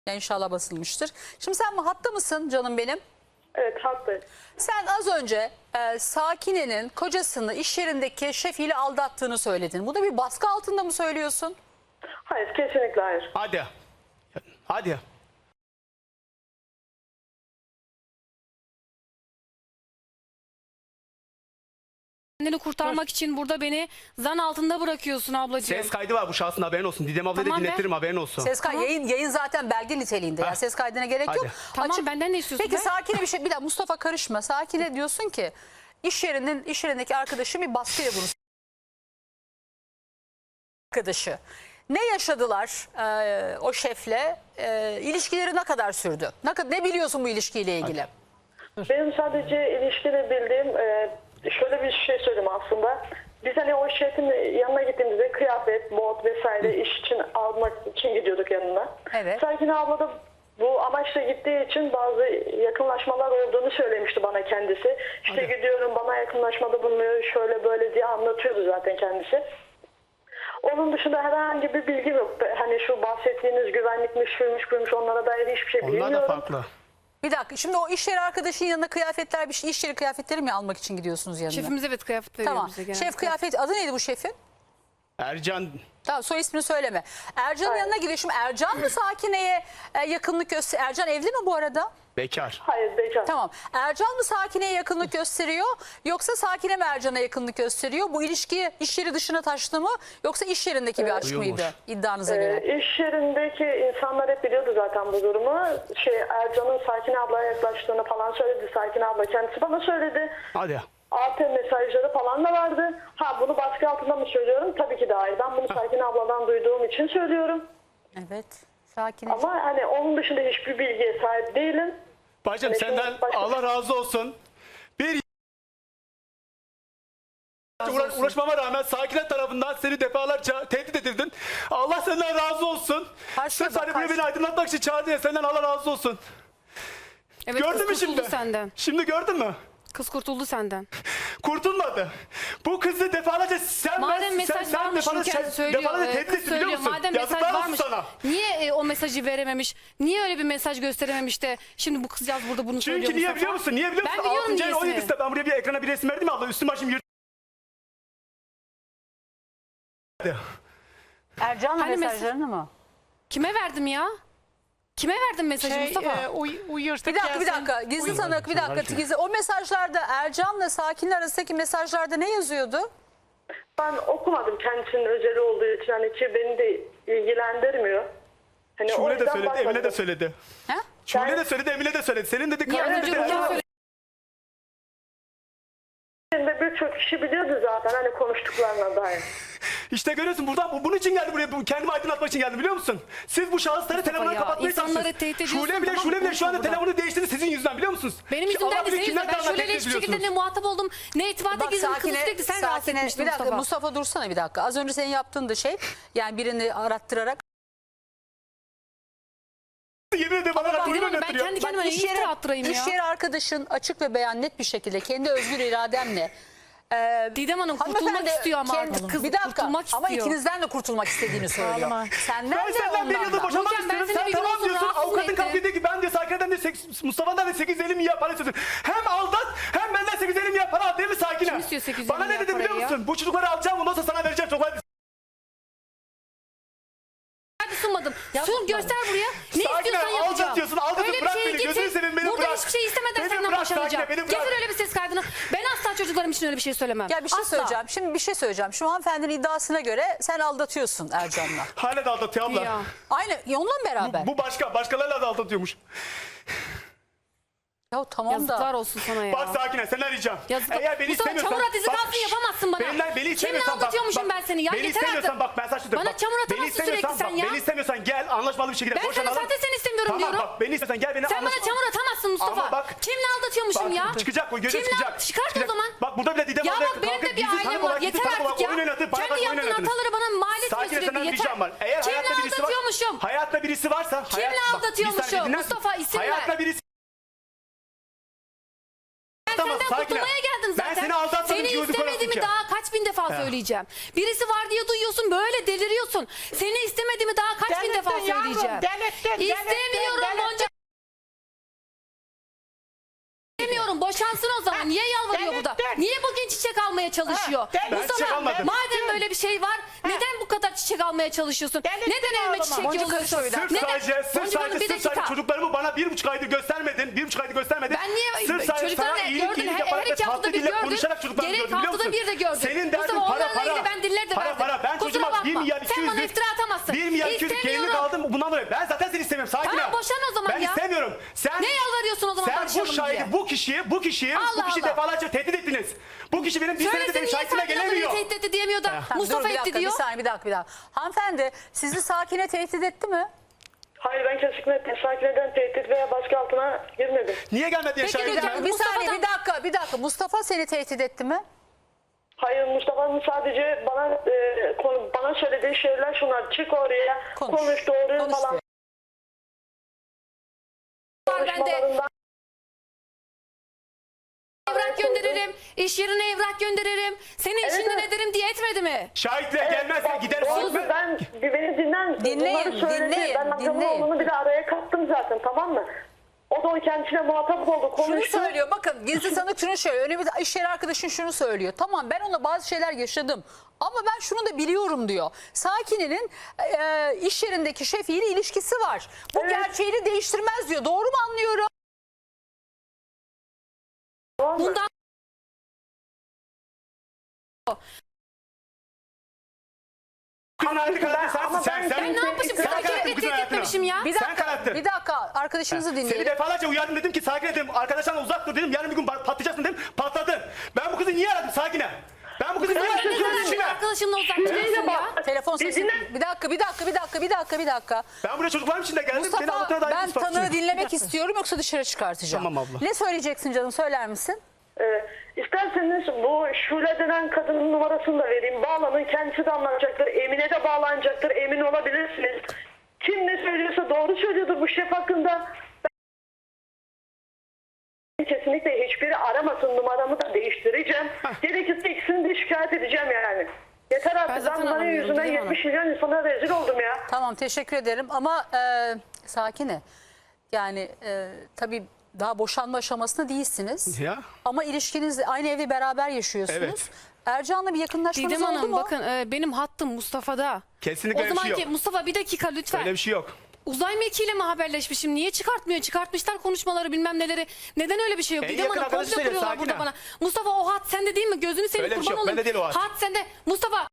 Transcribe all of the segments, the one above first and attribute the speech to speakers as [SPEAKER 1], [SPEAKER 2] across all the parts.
[SPEAKER 1] Ya İnşallah basılmıştır. Şimdi sen hatta mısın canım benim?
[SPEAKER 2] Evet, haklıyım.
[SPEAKER 1] Sen az önce Sakine'nin kocasını iş yerindeki şefiyle aldattığını söyledin. Bu da bir baskı altında mı söylüyorsun?
[SPEAKER 2] Hayır, kesinlikle hayır.
[SPEAKER 3] Hadi. Hadi.
[SPEAKER 4] Kendini kurtarmak için burada beni zan altında bırakıyorsun ablacığım.
[SPEAKER 3] Ses kaydı var bu şahsın, haberin olsun. Didem ablayı
[SPEAKER 4] Tamam
[SPEAKER 3] da
[SPEAKER 4] be.
[SPEAKER 3] dinletirim, haberin olsun.
[SPEAKER 1] Ses kaydı, yayın zaten belge niteliğinde. Yani ses kaydına gerek yok.
[SPEAKER 3] Hadi.
[SPEAKER 4] Tamam, benden ne istiyorsun
[SPEAKER 1] Peki
[SPEAKER 4] be?
[SPEAKER 1] Sakine bir şey, bir dakika Mustafa karışma. Sakine diyorsun ki iş yerindeki arkadaşı bir baskıyla bunu arkadaşı. Ne yaşadılar o şefle? İlişkileri ne kadar sürdü? Ne biliyorsun bu ilişkiyle ilgili?
[SPEAKER 2] Benim sadece ilişkide bildiğim şöyle bir şey söyleyeyim aslında. Biz hani o şefin yanına gittiğimizde kıyafet, bot vesaire iş için almak için gidiyorduk yanına.
[SPEAKER 1] Evet.
[SPEAKER 2] Sakine abla da bu amaçla gittiği için bazı yakınlaşmalar olduğunu söylemişti bana kendisi. İşte gidiyorum, bana yakınlaşmada bulunuyor, şöyle böyle diye anlatıyordu zaten kendisi. Onun dışında herhangi bir bilgi yok. Hani şu bahsettiğiniz güvenlikmiş, şuymuş, buymuş, onlara dair hiçbir şey bilmiyorum.
[SPEAKER 3] Onlar da farklı.
[SPEAKER 1] Bir dakika şimdi o iş yeri arkadaşın yanına kıyafetler bir şey, iş yeri kıyafetleri mi almak için gidiyorsunuz yanına?
[SPEAKER 4] Şefimiz evet kıyafet veriyor
[SPEAKER 1] Tamam.
[SPEAKER 4] bize genelde.
[SPEAKER 1] Şef kıyafet adı neydi bu şefin?
[SPEAKER 3] Ercan,
[SPEAKER 1] Tamam, soy ismini söyleme. Ercan'ın yanına gidiyor. Şimdi Ercan mı Sakine'ye yakınlık gösteriyor? Ercan evli mi bu arada?
[SPEAKER 3] bekar.
[SPEAKER 2] Hayır, bekar.
[SPEAKER 1] Tamam. Ercan mı Sakine'ye yakınlık gösteriyor yoksa Sakine mi Ercan'a yakınlık gösteriyor? Bu ilişki iş yeri dışına taştı mı yoksa iş yerindeki bir aşk
[SPEAKER 3] Duyulmuş.
[SPEAKER 1] mıydı iddianıza göre?
[SPEAKER 2] İş yerindeki insanlar hep biliyordu zaten bu durumu. Ercan'ın Sakine ablaya yaklaştığını falan söyledi. Sakine abla kendisi bana söyledi.
[SPEAKER 3] Hadi.
[SPEAKER 2] AT mesajları falan da vardı. Bunu baskı altında mı söylüyorum? Tabii ki de hayır. Ben bunu Sakine abladan duyduğum için söylüyorum.
[SPEAKER 1] Evet. Sakine.
[SPEAKER 2] Ama hani onun dışında hiçbir bilgiye sahip değilim.
[SPEAKER 3] Bacım
[SPEAKER 2] Yani
[SPEAKER 3] senden
[SPEAKER 2] şimdi başka-
[SPEAKER 3] Allah razı olsun. Bir uğraşmama rağmen Sakine tarafından seni defalarca tehdit edildin. Allah senden razı olsun.
[SPEAKER 1] Karşıya
[SPEAKER 3] Sırf
[SPEAKER 1] bak,
[SPEAKER 3] hani buraya beni aydınlatmak için çağırdın ya, senden Allah razı olsun.
[SPEAKER 4] Evet,
[SPEAKER 3] Gördün mü
[SPEAKER 4] kız kurtuldu
[SPEAKER 3] şimdi?
[SPEAKER 4] senden.
[SPEAKER 3] Şimdi gördün mü?
[SPEAKER 4] Kız kurtuldu senden.
[SPEAKER 3] Kurtulmadı. Bu kızı defalarca
[SPEAKER 4] Madem mesaj varmış Ülker söylüyor.
[SPEAKER 3] defalarca tehdit
[SPEAKER 4] Kız
[SPEAKER 3] etti, biliyor
[SPEAKER 4] söylüyor.
[SPEAKER 3] musun?
[SPEAKER 4] Madem mesaj
[SPEAKER 3] Yazıklar olsun
[SPEAKER 4] varmış.
[SPEAKER 3] sana.
[SPEAKER 4] Niye o mesajı verememiş? Niye öyle bir mesaj gösterememiş de şimdi bu kızcağız burada bunu söylüyor
[SPEAKER 3] Çünkü niye
[SPEAKER 4] Mustafa?
[SPEAKER 3] biliyor musun? Niye biliyor musun?
[SPEAKER 4] Ben biliyorum
[SPEAKER 3] 6. ayın
[SPEAKER 4] niyesini.
[SPEAKER 3] 17'sinde ben buraya bir ekrana bir resim verdim ya, Allah üstüm başım yırttı.
[SPEAKER 1] Ercan'la
[SPEAKER 4] Hani
[SPEAKER 1] mesajlarını mı?
[SPEAKER 4] Kime verdim ya? Kime verdim mesajı Mustafa?
[SPEAKER 1] Bir dakika. Gizli sanık bir dakika. Gizli. O mesajlarda Ercan'la Sakin'le arasındaki mesajlarda ne yazıyordu?
[SPEAKER 2] Ben okumadım kendisinin özeli olduğu için. Hani ki beni de ilgilendirmiyor. Hani o
[SPEAKER 3] Şule de
[SPEAKER 2] yüzden
[SPEAKER 3] söyledi,
[SPEAKER 2] bakmadım.
[SPEAKER 3] Emine de söyledi.
[SPEAKER 1] Ha?
[SPEAKER 3] Şule de söyledi, Emine de söyledi. Senin dedi
[SPEAKER 4] Niye az
[SPEAKER 3] karnın
[SPEAKER 4] önce
[SPEAKER 3] dedi.
[SPEAKER 4] Ülker söyledi?
[SPEAKER 2] Birçok kişi biliyordu zaten hani konuştuklarına dair.
[SPEAKER 3] İşte görüyorsun, buradan bunun için geldi buraya. Kendimi aydınlatmak için geldim, biliyor musun? Siz bu şahısları
[SPEAKER 4] Mustafa
[SPEAKER 3] telefonları
[SPEAKER 4] ya,
[SPEAKER 3] kapatmaya
[SPEAKER 4] insanları
[SPEAKER 3] çalışıyorsunuz.
[SPEAKER 4] tehdit ediyorsun,
[SPEAKER 3] Şule bile,
[SPEAKER 4] tamam,
[SPEAKER 3] Şule bile şu anda
[SPEAKER 4] konuşma
[SPEAKER 3] telefonu değiştirdi sizin yüzünden, biliyor musunuz?
[SPEAKER 4] Benim
[SPEAKER 3] Ki
[SPEAKER 4] yüzümden
[SPEAKER 3] Allah
[SPEAKER 4] de
[SPEAKER 3] bilir
[SPEAKER 4] senin
[SPEAKER 3] kimler
[SPEAKER 4] yüzünden. Ben
[SPEAKER 3] tarafından
[SPEAKER 4] şöyle
[SPEAKER 3] tehdit
[SPEAKER 4] hiçbir şekilde ne
[SPEAKER 3] ediyorsunuz.
[SPEAKER 4] muhatap oldum ne irtibata girdim. Kızı sürekli sen rahatsız etmiştin
[SPEAKER 1] bir dakika
[SPEAKER 4] Mustafa.
[SPEAKER 1] Mustafa dursana bir dakika. Az önce senin yaptığın da şey yani birini arattırarak.
[SPEAKER 3] Yemin ederim bana
[SPEAKER 4] Didem
[SPEAKER 3] oyun
[SPEAKER 4] Hanım, ben
[SPEAKER 3] oynatıyor.
[SPEAKER 4] kendi kendime ne iftira attırayım ya.
[SPEAKER 1] İş yeri arkadaşın açık ve beyan net bir şekilde kendi özgür irademle
[SPEAKER 4] Didem Hanım kurtulmak
[SPEAKER 1] hanımefendi
[SPEAKER 4] istiyor ama
[SPEAKER 1] kendi-
[SPEAKER 4] artık kız
[SPEAKER 1] bir dakika
[SPEAKER 4] kurtulmak
[SPEAKER 1] ama
[SPEAKER 4] istiyor.
[SPEAKER 1] ikinizden de kurtulmak istediğini söylüyor. Senden
[SPEAKER 3] Ben
[SPEAKER 1] de
[SPEAKER 3] senden bir
[SPEAKER 1] ondan
[SPEAKER 3] yıldır
[SPEAKER 1] da.
[SPEAKER 3] boşanmak
[SPEAKER 4] Nurcan, ben
[SPEAKER 3] istiyorum.
[SPEAKER 4] seni
[SPEAKER 3] Sen
[SPEAKER 4] bir gün
[SPEAKER 3] tamam
[SPEAKER 4] olsun
[SPEAKER 3] diyorsun.
[SPEAKER 4] rahatsız
[SPEAKER 3] Avukatın
[SPEAKER 4] mı
[SPEAKER 3] kalkıyor
[SPEAKER 4] etti?
[SPEAKER 3] diyor ki ben diyor Sakine'den de Mustafa'dan da 850 milyar para istiyorsun. Hem aldat hem benden 850 milyar para al, değil mi Sakine?
[SPEAKER 4] Kim istiyor 850
[SPEAKER 3] Bana ne
[SPEAKER 4] milyar
[SPEAKER 3] dedi biliyor
[SPEAKER 4] parayı ya?
[SPEAKER 3] musun? Bu çocukları alacağım, ondan sonra sana vereceğim çocukları.
[SPEAKER 4] Hadi sunmadım. Sun göster buraya. Ne
[SPEAKER 3] Sakine,
[SPEAKER 4] istiyorsan yapacağım.
[SPEAKER 3] aldatıyorsun, aldatıyorsun.
[SPEAKER 4] Öyle bir
[SPEAKER 3] Bırak
[SPEAKER 4] şeyi
[SPEAKER 3] beni,
[SPEAKER 4] getir.
[SPEAKER 3] gözünü seveyim, beni
[SPEAKER 4] Burada
[SPEAKER 3] bırak.
[SPEAKER 4] hiçbir şey istemeden
[SPEAKER 3] Beni
[SPEAKER 4] senden
[SPEAKER 3] bırak
[SPEAKER 4] boşanacağım.
[SPEAKER 3] Sakine, beni bırak.
[SPEAKER 4] Getir öyle bir ses kaydını. Ben asla çocuklarım için öyle bir şey söylemem.
[SPEAKER 1] Ya bir şey
[SPEAKER 4] Asla.
[SPEAKER 1] söyleyeceğim. Şimdi bir şey söyleyeceğim. Şu hanımefendinin iddiasına göre sen aldatıyorsun Ercan'la.
[SPEAKER 3] Hala da aldatıyor abla.
[SPEAKER 4] Ya.
[SPEAKER 1] Aynı onunla mı beraber?
[SPEAKER 3] Bu başkalarıyla da aldatıyormuş.
[SPEAKER 1] Ya tamam
[SPEAKER 4] Yazıklar
[SPEAKER 1] da.
[SPEAKER 4] olsun sana ya.
[SPEAKER 3] Bak Sakine, sen arayacağım.
[SPEAKER 4] Yazıklar.
[SPEAKER 3] Eğer beni
[SPEAKER 4] Mustafa,
[SPEAKER 3] istemiyorsan...
[SPEAKER 4] çamur at izi kalsın, yapamazsın bana.
[SPEAKER 3] Beni
[SPEAKER 4] Kimle
[SPEAKER 3] istemiyorsan
[SPEAKER 4] aldatıyormuşum ben seni ya?
[SPEAKER 3] Beni
[SPEAKER 4] Yeter
[SPEAKER 3] istemiyorsan
[SPEAKER 4] artık.
[SPEAKER 3] bak ben sana şunu diyorum.
[SPEAKER 4] Bana çamur atamazsın sürekli sen ya.
[SPEAKER 3] Beni istemiyorsan gel anlaşmalı bir şekilde
[SPEAKER 4] Ben
[SPEAKER 3] boşanalım.
[SPEAKER 4] seni zaten seni istemiyorum
[SPEAKER 3] tamam,
[SPEAKER 4] diyorum.
[SPEAKER 3] Tamam bak beni istiyorsan gel beni
[SPEAKER 4] Sen bana çamur atamazsın Mustafa.
[SPEAKER 3] Ama bak.
[SPEAKER 4] Kimle aldatıyormuşum
[SPEAKER 3] Bak,
[SPEAKER 4] ya?
[SPEAKER 3] çıkacak, bu gözün
[SPEAKER 4] Kimle
[SPEAKER 3] çıkacak.
[SPEAKER 4] Çıkart o zaman.
[SPEAKER 3] Bak burada bile Didem
[SPEAKER 4] Ya
[SPEAKER 3] abla
[SPEAKER 4] bak benim de
[SPEAKER 3] kalkıp
[SPEAKER 4] bir
[SPEAKER 3] gizli
[SPEAKER 4] ailem
[SPEAKER 3] tanık
[SPEAKER 4] var.
[SPEAKER 3] olarak, gizli
[SPEAKER 4] Yeter
[SPEAKER 3] tanık
[SPEAKER 4] artık
[SPEAKER 3] olarak
[SPEAKER 4] ya.
[SPEAKER 3] oyun oynatıp para
[SPEAKER 4] Kendi
[SPEAKER 3] oyun
[SPEAKER 4] yaptığın
[SPEAKER 3] oynadınız.
[SPEAKER 4] hataları bana mal etme
[SPEAKER 3] Sakine
[SPEAKER 4] sürekli.
[SPEAKER 3] senden
[SPEAKER 4] Yeter.
[SPEAKER 3] ricam var. Eğer
[SPEAKER 4] Kimle
[SPEAKER 3] hayatta birisi var.
[SPEAKER 4] aldatıyormuşum?
[SPEAKER 3] Hayatta birisi varsa.
[SPEAKER 4] Kimle
[SPEAKER 3] bak, bir
[SPEAKER 4] aldatıyormuşum?
[SPEAKER 3] saniye dinler misin?
[SPEAKER 4] Mustafa, isim ver.
[SPEAKER 3] Hayatta birisi.
[SPEAKER 4] Ben
[SPEAKER 3] Tamam,
[SPEAKER 4] senden
[SPEAKER 3] Sakine.
[SPEAKER 4] kurtulmaya geldim zaten.
[SPEAKER 3] Ben seni aldatmadım
[SPEAKER 4] Seni
[SPEAKER 3] ki, gözü
[SPEAKER 4] istemedim istemediğimi
[SPEAKER 3] ki.
[SPEAKER 4] daha kaç bin defa söyleyeceğim. Birisi var diye duyuyorsun böyle deliriyorsun. Seni istemediğimi daha kaç bin defa
[SPEAKER 5] Delirttin yavrum,
[SPEAKER 4] söyleyeceğim.
[SPEAKER 5] delirttin,
[SPEAKER 4] İstemiyorum
[SPEAKER 5] delirttin.
[SPEAKER 4] Boncuk. İstemiyorum, boşansın o zaman. Niye yalvarıyor burada?
[SPEAKER 5] delirttin.
[SPEAKER 4] Niye bugün çiçek almaya çalışıyor?
[SPEAKER 5] Ben
[SPEAKER 4] Mustafa,
[SPEAKER 3] çiçek almadım.
[SPEAKER 4] madem böyle bir şey var neden bu kadar çiçek almaya çalışıyorsun?
[SPEAKER 5] Delirttin
[SPEAKER 4] Neden elime
[SPEAKER 5] oğluma.
[SPEAKER 4] çiçek
[SPEAKER 5] Boncuk
[SPEAKER 4] yolluyorsun?
[SPEAKER 1] karışıyor bir dakika.
[SPEAKER 3] Sırf sadece
[SPEAKER 4] bir dakika.
[SPEAKER 3] çocuklarımı bana 1,5 aydır göstermedin. 1,5 aydır göstermedin.
[SPEAKER 4] Ben niye
[SPEAKER 3] Sırf sadece
[SPEAKER 4] çocukları
[SPEAKER 3] sana
[SPEAKER 4] da
[SPEAKER 3] iyilik
[SPEAKER 4] gördün,
[SPEAKER 3] yaparak
[SPEAKER 4] her
[SPEAKER 3] ve
[SPEAKER 4] iki haftada
[SPEAKER 3] tatlı
[SPEAKER 4] bir
[SPEAKER 3] dille
[SPEAKER 4] gördün.
[SPEAKER 3] konuşarak çocuklarımı
[SPEAKER 4] Gerek
[SPEAKER 3] gördün biliyor
[SPEAKER 4] haftada
[SPEAKER 3] musun?
[SPEAKER 4] bir de gördün.
[SPEAKER 3] Senin derdin
[SPEAKER 4] Mustafa,
[SPEAKER 3] para
[SPEAKER 4] onlarla ilgili ben diller de
[SPEAKER 3] para
[SPEAKER 4] verdim.
[SPEAKER 3] para. Ben
[SPEAKER 4] Kusura
[SPEAKER 3] çocuğuma 1
[SPEAKER 4] bakma.
[SPEAKER 3] milyar
[SPEAKER 4] Sen
[SPEAKER 3] 200
[SPEAKER 4] bana iftira atamazsın.
[SPEAKER 3] 1 milyar 200
[SPEAKER 4] İstemiyorum.
[SPEAKER 3] aldım bundan dolayı. Ben zaten seni istemiyorum. Sakin
[SPEAKER 4] Tamam,
[SPEAKER 3] ol.
[SPEAKER 4] boşan o zaman
[SPEAKER 3] ben
[SPEAKER 4] ya.
[SPEAKER 3] istemiyorum. Sen
[SPEAKER 4] Ne yalvarıyorsun o zaman
[SPEAKER 3] Sen bu
[SPEAKER 4] barışalım
[SPEAKER 3] şahidi
[SPEAKER 4] diye?
[SPEAKER 3] bu kişiyi
[SPEAKER 4] Allah Allah.
[SPEAKER 3] defalarca tehdit ettiniz. Bu kişi benim bir senedir
[SPEAKER 4] Söylesin
[SPEAKER 3] benim
[SPEAKER 4] niye
[SPEAKER 3] şahitime
[SPEAKER 4] Sakine abla
[SPEAKER 3] gelemiyor.
[SPEAKER 4] beni tehdit etti diyemiyor da
[SPEAKER 1] Tamam,
[SPEAKER 4] Mustafa
[SPEAKER 1] dur, bir
[SPEAKER 4] etti
[SPEAKER 1] dakika,
[SPEAKER 4] diyor.
[SPEAKER 1] Bir saniye bir dakika. Hanımefendi sizi Sakine tehdit etti mi?
[SPEAKER 2] Hayır, ben kesinlikle Sakine'den tehdit veya baskı altına girmedim.
[SPEAKER 3] Niye gelmedi diye
[SPEAKER 4] Peki,
[SPEAKER 3] şahit
[SPEAKER 4] lütfen,
[SPEAKER 3] etmem?
[SPEAKER 1] Bir
[SPEAKER 4] Mustafa'dan-
[SPEAKER 1] saniye bir dakika. Mustafa seni tehdit etti mi?
[SPEAKER 2] Hayır, Mustafa'nın sadece bana söylediği şeyler şunlar: çık oraya, konuş doğruyu
[SPEAKER 1] Konuş
[SPEAKER 2] falan.
[SPEAKER 1] diyor.
[SPEAKER 4] Var bende.
[SPEAKER 2] Konuşmalarından
[SPEAKER 4] Evrak gönderirim. İş yerine evrak gönderirim. Seni işinden
[SPEAKER 2] evet.
[SPEAKER 4] ederim diye etmedi mi?
[SPEAKER 3] Şahitler gelmezse gider.
[SPEAKER 2] Doğru, ben beni
[SPEAKER 1] Dinleyin,
[SPEAKER 2] bunları söyledi.
[SPEAKER 1] dinleyin,
[SPEAKER 2] Ben Hakan'ın
[SPEAKER 1] dinleyin.
[SPEAKER 2] oğlunu bir de araya kattım zaten, tamam mı? O da o kendisine muhatap oldu,
[SPEAKER 1] Şunu
[SPEAKER 2] konuştu.
[SPEAKER 1] söylüyor bakın gizli sanık şunu söylüyor. Öyle bir iş yeri arkadaşın şunu söylüyor. Tamam ben onunla bazı şeyler yaşadım. Ama ben şunu da biliyorum diyor. Sakine'nin iş yerindeki şefiyle ilişkisi var. Bu
[SPEAKER 2] Evet.
[SPEAKER 1] gerçeğini değiştirmez diyor. Doğru mu anlıyorum?
[SPEAKER 2] Tamam mı?
[SPEAKER 4] Bundan
[SPEAKER 3] Kızın hayatı karartın sensin.
[SPEAKER 2] Ama
[SPEAKER 3] Sen
[SPEAKER 2] ben
[SPEAKER 4] ne yapmışım?
[SPEAKER 3] sen
[SPEAKER 4] Sakine'yle
[SPEAKER 3] kararttın kızın
[SPEAKER 4] tehdit
[SPEAKER 3] hayatını.
[SPEAKER 4] etmemişim ya.
[SPEAKER 1] Bir
[SPEAKER 3] Sen
[SPEAKER 1] dakika,
[SPEAKER 3] kararttın.
[SPEAKER 1] bir dakika arkadaşınızı
[SPEAKER 3] Seni
[SPEAKER 1] dinleyelim.
[SPEAKER 3] defalarca uyardım, dedim ki Sakine dedim, arkadaşlarla uzak dur dedim, yarın bir gün patlayacaksın dedim, patladın. Ben bu kızı niye aradım Sakine? Ben bu kızı niye
[SPEAKER 2] Sen
[SPEAKER 3] aradım?
[SPEAKER 2] ne
[SPEAKER 3] Kızın
[SPEAKER 2] zaman
[SPEAKER 3] içine.
[SPEAKER 4] arkadaşınla uzak
[SPEAKER 2] Dinle
[SPEAKER 4] duruyorsun ya.
[SPEAKER 2] bak.
[SPEAKER 1] Telefon sesi.
[SPEAKER 2] Dinle.
[SPEAKER 1] Bir dakika.
[SPEAKER 3] Ben buraya çocuklarım için de geldim. Beni
[SPEAKER 1] Mustafa
[SPEAKER 3] avukata dair
[SPEAKER 1] ben
[SPEAKER 3] ispat
[SPEAKER 1] tanığı
[SPEAKER 3] için.
[SPEAKER 1] dinlemek istiyorum yoksa dışarı çıkartacağım.
[SPEAKER 3] Tamam abla.
[SPEAKER 1] Ne söyleyeceksin canım söyler misin?
[SPEAKER 2] İsterseniz bu Şule denen kadının numarasını da vereyim. Bağlanın, kendisi de anlatacaktır. Emine de bağlanacaktır. Emin olabilirsiniz. Kim ne söylüyorsa doğru söylüyordur bu şef hakkında. Ben kesinlikle hiçbiri aramasın, numaramı da değiştireceğim. Gerekirse ikisini de şikayet edeceğim yani. Yeter artık, ben
[SPEAKER 4] zaten
[SPEAKER 2] bunların
[SPEAKER 4] anlamıyorum,
[SPEAKER 2] yüzünden
[SPEAKER 4] Didem Hanım.
[SPEAKER 2] 70 milyon insana rezil oldum ya.
[SPEAKER 1] Tamam teşekkür ederim ama Sakine yani tabii daha boşanma aşamasında değilsiniz.
[SPEAKER 3] Ya.
[SPEAKER 1] Ama ilişkiniz aynı evde beraber yaşıyorsunuz.
[SPEAKER 3] Evet.
[SPEAKER 1] Ercan'la bir yakınlaşmanız
[SPEAKER 4] Didem
[SPEAKER 1] oldu
[SPEAKER 4] Hanım
[SPEAKER 1] mu?
[SPEAKER 4] bakın benim hattım Mustafa'da.
[SPEAKER 3] Kesinlikle
[SPEAKER 4] O
[SPEAKER 3] öyle bir şey
[SPEAKER 4] zamanki
[SPEAKER 3] yok.
[SPEAKER 4] Mustafa bir dakika lütfen.
[SPEAKER 3] Öyle bir şey yok.
[SPEAKER 4] Uzay mekiğiyle mi haberleşmişim? Niye çıkartmıyor? Çıkartmışlar konuşmaları bilmem neleri. Neden öyle bir şey yok?
[SPEAKER 3] En
[SPEAKER 4] Didem
[SPEAKER 3] yakın
[SPEAKER 4] Hanım
[SPEAKER 3] arkadaşı
[SPEAKER 4] komplo
[SPEAKER 3] söyle,
[SPEAKER 4] kuruyorlar
[SPEAKER 3] sakin
[SPEAKER 4] burada
[SPEAKER 3] ol.
[SPEAKER 4] bana. Mustafa o hat sende değil mi? Gözünü seveyim
[SPEAKER 3] Öyle bir şey
[SPEAKER 4] kurban
[SPEAKER 3] yok, bende
[SPEAKER 4] olayım.
[SPEAKER 3] değil o hat.
[SPEAKER 4] Sende. Mustafa.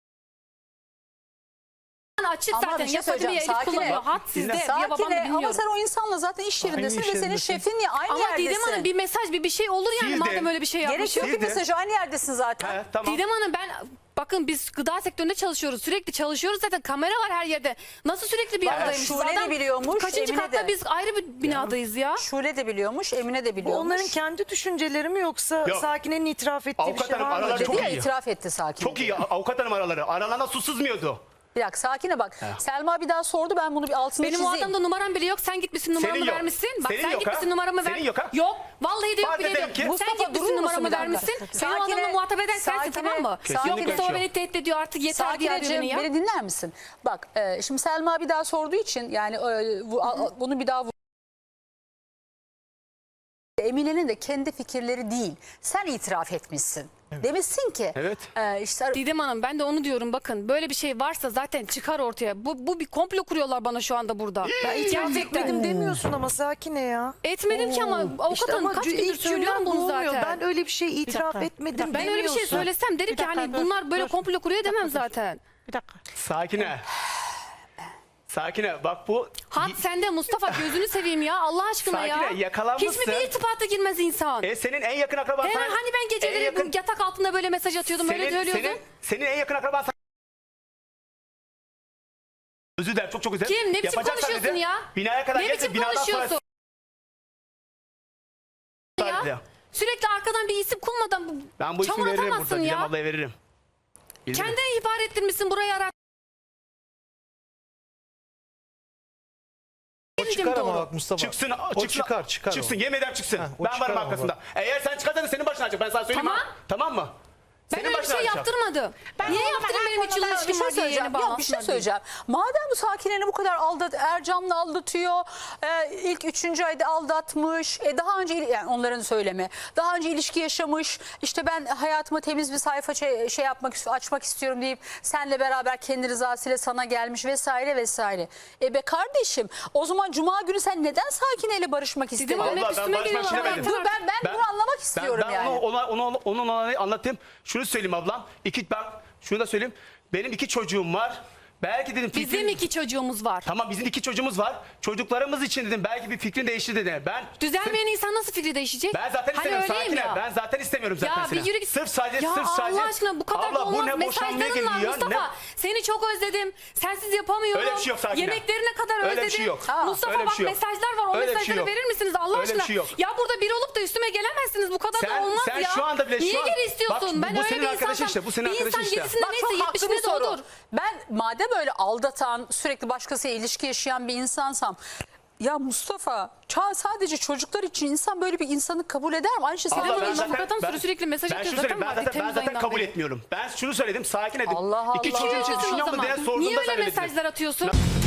[SPEAKER 4] Açık
[SPEAKER 1] Ama
[SPEAKER 4] zaten.
[SPEAKER 1] bir şey
[SPEAKER 4] Ya Fadime
[SPEAKER 1] söyleyeceğim.
[SPEAKER 4] Elif
[SPEAKER 1] Sakine.
[SPEAKER 4] kullanıyor. Hat sizde. Ya babam da
[SPEAKER 1] Sakine
[SPEAKER 4] bilmiyorum.
[SPEAKER 1] ama sen o insanla zaten iş yerindesin
[SPEAKER 3] iş
[SPEAKER 1] ve senin
[SPEAKER 3] yerindesin.
[SPEAKER 1] şefin ya aynı
[SPEAKER 4] Ama
[SPEAKER 1] yerdesin.
[SPEAKER 4] Didem Hanım bir mesaj bir şey olur yani
[SPEAKER 3] Siz de.
[SPEAKER 4] madem öyle bir şey
[SPEAKER 1] Gerek
[SPEAKER 4] yapmışım.
[SPEAKER 1] yok ki
[SPEAKER 3] Siz de.
[SPEAKER 1] mesajı aynı yerdesin zaten.
[SPEAKER 3] He, tamam.
[SPEAKER 4] Didem Hanım ben bakın biz gıda sektöründe çalışıyoruz. Sürekli çalışıyoruz zaten. Kamera var her yerde. Nasıl sürekli bir
[SPEAKER 1] Bak,
[SPEAKER 4] aradaymışız?
[SPEAKER 1] Şule de biliyormuş,
[SPEAKER 4] Kaçıncı
[SPEAKER 1] Emine
[SPEAKER 4] katta
[SPEAKER 1] de.
[SPEAKER 4] biz ayrı bir binadayız ya.
[SPEAKER 1] Şule de biliyormuş, Emine de
[SPEAKER 5] Bu
[SPEAKER 1] biliyormuş.
[SPEAKER 5] onların kendi düşünceleri mi yoksa
[SPEAKER 3] Yok.
[SPEAKER 5] Sakine'nin itiraf ettiği
[SPEAKER 3] Avukat
[SPEAKER 5] bir şey
[SPEAKER 3] hanım,
[SPEAKER 5] var mı?
[SPEAKER 3] aralar
[SPEAKER 5] acaba?
[SPEAKER 3] çok
[SPEAKER 1] Dedi ya,
[SPEAKER 3] iyi.
[SPEAKER 1] itiraf etti Sakine.
[SPEAKER 3] Çok iyi avukat hanım araları. Aralarına su sızmıyordu.
[SPEAKER 1] Bir dakika Sakine bak. Selma bir daha sordu ben bunu bir altını
[SPEAKER 4] Benim o
[SPEAKER 1] çizeyim.
[SPEAKER 4] adamda numaram bile yok. Sen gitmişsin numaramı
[SPEAKER 3] Senin yok.
[SPEAKER 4] vermişsin. Bak
[SPEAKER 3] Senin
[SPEAKER 4] sen
[SPEAKER 3] yok
[SPEAKER 4] gitmişsin
[SPEAKER 3] ha?
[SPEAKER 4] numaramı ver.
[SPEAKER 3] Senin yok ha?
[SPEAKER 4] Yok. Vallahi de yok
[SPEAKER 3] Var
[SPEAKER 4] bile de
[SPEAKER 3] dedim
[SPEAKER 4] yok.
[SPEAKER 3] ki.
[SPEAKER 4] Sen
[SPEAKER 1] Mustafa, durur
[SPEAKER 4] gitmişsin
[SPEAKER 1] musun
[SPEAKER 4] numaramı
[SPEAKER 1] bir dakika?
[SPEAKER 4] vermişsin. Benim
[SPEAKER 1] Sakine-
[SPEAKER 4] adamla muhatap eden sensin
[SPEAKER 1] Sakine-
[SPEAKER 4] tamam mı?
[SPEAKER 3] Kesinlikle
[SPEAKER 4] Yok
[SPEAKER 3] öyle bir
[SPEAKER 4] Mustafa
[SPEAKER 3] şey
[SPEAKER 4] beni
[SPEAKER 3] yok.
[SPEAKER 4] tehdit ediyor artık yeter diye arıyor
[SPEAKER 1] Sakineciğim
[SPEAKER 4] beni ya.
[SPEAKER 1] beni dinler misin? Bak şimdi Selma bir daha sorduğu için yani bunu bir daha Emine'nin de kendi fikirleri değil. Sen itiraf etmişsin. Demişsin ki
[SPEAKER 3] Evet.
[SPEAKER 1] işte
[SPEAKER 4] Didem Hanım ben de onu diyorum bakın böyle bir şey varsa zaten çıkar ortaya. Bu bir komplo kuruyorlar bana şu anda burada.
[SPEAKER 5] İtiraf etmedim demiyorsun ama Sakine ya.
[SPEAKER 4] Etmedim ki ama avukat
[SPEAKER 5] İşte
[SPEAKER 4] hanım
[SPEAKER 5] ama
[SPEAKER 4] kaç gündür
[SPEAKER 5] ilk
[SPEAKER 4] söylüyorum
[SPEAKER 5] cümlen
[SPEAKER 4] bunu
[SPEAKER 5] olmuyor.
[SPEAKER 4] zaten.
[SPEAKER 5] Ben öyle bir şey itiraf etmedim
[SPEAKER 4] Ben öyle bir şey
[SPEAKER 5] demiyorsun.
[SPEAKER 4] söylesem derim ki hani bunlar böyle komplo kuruyor demem zaten.
[SPEAKER 5] Bir dakika.
[SPEAKER 3] Sakine. Sakine bak bu...
[SPEAKER 4] Hat sende Mustafa gözünü seveyim ya Allah aşkına ya.
[SPEAKER 3] Sakine, yakalanmışsın.
[SPEAKER 4] Hiç mi bir irtibata girmez insan?
[SPEAKER 3] Senin en yakın akraban...
[SPEAKER 4] He,
[SPEAKER 3] sana-
[SPEAKER 4] hani ben geceleri
[SPEAKER 3] en yakın-
[SPEAKER 4] bu yatak altında böyle mesaj atıyordum öyle söylüyordum.
[SPEAKER 3] Senin en yakın akraban... Özür dilerim çok özür dilerim.
[SPEAKER 4] Kim? Ne biçim
[SPEAKER 3] Yapacaksan
[SPEAKER 4] konuşuyorsun
[SPEAKER 3] dedi,
[SPEAKER 4] ya?
[SPEAKER 3] Binaya kadar
[SPEAKER 4] Ne
[SPEAKER 3] gelsin,
[SPEAKER 4] biçim
[SPEAKER 3] binadan sonra-
[SPEAKER 4] konuşuyorsun? Ya? Sürekli arkadan bir isim kulmadan
[SPEAKER 3] Ben bu ismi
[SPEAKER 4] çamur
[SPEAKER 3] veririm
[SPEAKER 4] atamazsın
[SPEAKER 3] burada. Didem
[SPEAKER 4] ya.
[SPEAKER 3] ablaya veririm. Bilirim.
[SPEAKER 4] Kendini ihbar ettirmişsin buraya ara.
[SPEAKER 6] O çıkar ama
[SPEAKER 4] doğru.
[SPEAKER 6] bak Mustafa.
[SPEAKER 3] Çıksın,
[SPEAKER 6] O çıkar.
[SPEAKER 3] Çıksın, yemin ederim çıksın.
[SPEAKER 6] o
[SPEAKER 3] Ben
[SPEAKER 6] çıkar
[SPEAKER 3] varım
[SPEAKER 6] ama
[SPEAKER 3] arkasında. Eğer sen çıkarsan senin başına açacak. Ben sana söyleyeyim
[SPEAKER 4] Tamam.
[SPEAKER 3] mi? Tamam mı?
[SPEAKER 4] Ben
[SPEAKER 3] Senin
[SPEAKER 4] öyle bir
[SPEAKER 3] başına
[SPEAKER 4] şey
[SPEAKER 3] açacağım.
[SPEAKER 4] yaptırmadım. Niye
[SPEAKER 6] o zaman
[SPEAKER 4] yaptırayım
[SPEAKER 6] her
[SPEAKER 4] benim 3 yıl
[SPEAKER 6] konuda
[SPEAKER 4] ilişkim
[SPEAKER 1] Bir şey
[SPEAKER 4] var diye
[SPEAKER 1] söyleyeceğim.
[SPEAKER 4] yeni
[SPEAKER 1] Ya bir şey
[SPEAKER 4] bağlansınlar diye.
[SPEAKER 1] söyleyeceğim. Madem bu Sakine'ni bu kadar Ercan'la aldatıyor, ilk 3. ayda aldatmış, daha önce yani onların söylemi, daha önce ilişki yaşamış, işte ben hayatıma temiz bir sayfa açmak istiyorum deyip senle beraber kendi rızasıyla sana gelmiş vesaire vesaire. Be kardeşim, o zaman Cuma günü sen neden Sakine'yle barışmak istedin?
[SPEAKER 4] Hanım hep
[SPEAKER 3] Vallahi ben
[SPEAKER 4] üstüme
[SPEAKER 3] barışmak
[SPEAKER 4] geliyorlar.
[SPEAKER 3] istemedim.
[SPEAKER 1] Dur ben bunu anlamak istiyorum
[SPEAKER 3] ben
[SPEAKER 1] yani.
[SPEAKER 3] onun olayı anlatayım. Şunu söyleyeyim ablam. Şunu da söyleyeyim. Benim 2 çocuğum var. Belki dedim fikrin...
[SPEAKER 4] Bizim 2 çocuğumuz var.
[SPEAKER 3] Tamam bizim 2 çocuğumuz var. Çocuklarımız için dedim belki bir fikrin değişti dedi.
[SPEAKER 4] Düzelmeyen insan nasıl fikri değişecek?
[SPEAKER 3] Ben zaten istemiyorum
[SPEAKER 4] öyleyim
[SPEAKER 3] Sakine.
[SPEAKER 4] ya.
[SPEAKER 3] Ben zaten istemiyorum zaten
[SPEAKER 4] Ya
[SPEAKER 3] seni.
[SPEAKER 4] bir yürü git.
[SPEAKER 3] Sırf sadece
[SPEAKER 4] Ya Allah aşkına bu kadar
[SPEAKER 3] Abla,
[SPEAKER 4] da
[SPEAKER 3] bu
[SPEAKER 4] olmaz.
[SPEAKER 3] ne boşanmaya
[SPEAKER 4] Mesajların var
[SPEAKER 3] geliyor,
[SPEAKER 4] Mustafa.
[SPEAKER 3] ne-
[SPEAKER 4] Seni çok özledim. Sensiz yapamıyorum.
[SPEAKER 3] Öyle bir şey yok Sakine.
[SPEAKER 4] Yemeklerine kadar
[SPEAKER 3] Öyle bir
[SPEAKER 4] özledim.
[SPEAKER 3] şey yok.
[SPEAKER 4] Mustafa
[SPEAKER 3] Öyle bir
[SPEAKER 4] bak
[SPEAKER 3] şey yok.
[SPEAKER 4] mesajlar var. O
[SPEAKER 3] Öyle bir şey
[SPEAKER 4] mesajları
[SPEAKER 3] yok.
[SPEAKER 4] verir misiniz Allah
[SPEAKER 3] Öyle bir
[SPEAKER 4] aşkına?
[SPEAKER 3] şey yok.
[SPEAKER 4] Ya burada biri olup da üstüme gelemezsiniz. Bu kadar da olmaz
[SPEAKER 3] sen
[SPEAKER 4] ya.
[SPEAKER 3] şu anda bile
[SPEAKER 4] Niye
[SPEAKER 3] şu an-
[SPEAKER 4] geri istiyorsun?
[SPEAKER 3] Bak,
[SPEAKER 4] Ben
[SPEAKER 3] bu
[SPEAKER 4] öyle
[SPEAKER 3] senin
[SPEAKER 4] bir
[SPEAKER 3] arkadaşın
[SPEAKER 4] insansam.
[SPEAKER 3] işte, bu senin
[SPEAKER 4] bir insan
[SPEAKER 3] arkadaşın işte.
[SPEAKER 4] 7'sinde
[SPEAKER 1] Bak,
[SPEAKER 4] neyse
[SPEAKER 1] çok haklı bir
[SPEAKER 4] 70'inde de
[SPEAKER 1] soru.
[SPEAKER 4] odur.
[SPEAKER 1] Ben madem öyle aldatan, sürekli başkasıyla ilişki yaşayan bir insansam, ya Mustafa, sadece çocuklar için insan böyle bir insanı kabul eder mi? Aynı şey
[SPEAKER 3] Abla,
[SPEAKER 1] senin
[SPEAKER 3] ben
[SPEAKER 1] için.
[SPEAKER 3] zaten-
[SPEAKER 4] avukatım
[SPEAKER 3] ben-
[SPEAKER 4] sürekli mesaj
[SPEAKER 3] ben
[SPEAKER 4] atıyor
[SPEAKER 3] şunu söyleyeyim,
[SPEAKER 4] zaten
[SPEAKER 3] ben
[SPEAKER 4] var.
[SPEAKER 3] zaten, ben
[SPEAKER 4] Temmuz
[SPEAKER 3] zaten
[SPEAKER 4] ayından
[SPEAKER 3] kabul
[SPEAKER 4] beri.
[SPEAKER 3] etmiyorum. Ben şunu söyledim, sakin edin.
[SPEAKER 1] Allah
[SPEAKER 3] 2
[SPEAKER 1] Allah.
[SPEAKER 3] çocuğum için
[SPEAKER 4] Niye
[SPEAKER 3] düşünüyor mu
[SPEAKER 4] o
[SPEAKER 3] diye
[SPEAKER 4] zaman?
[SPEAKER 3] sordum
[SPEAKER 4] Niye
[SPEAKER 3] da
[SPEAKER 4] öyle
[SPEAKER 3] sen öyle dedin.
[SPEAKER 4] mesajlar atıyorsun?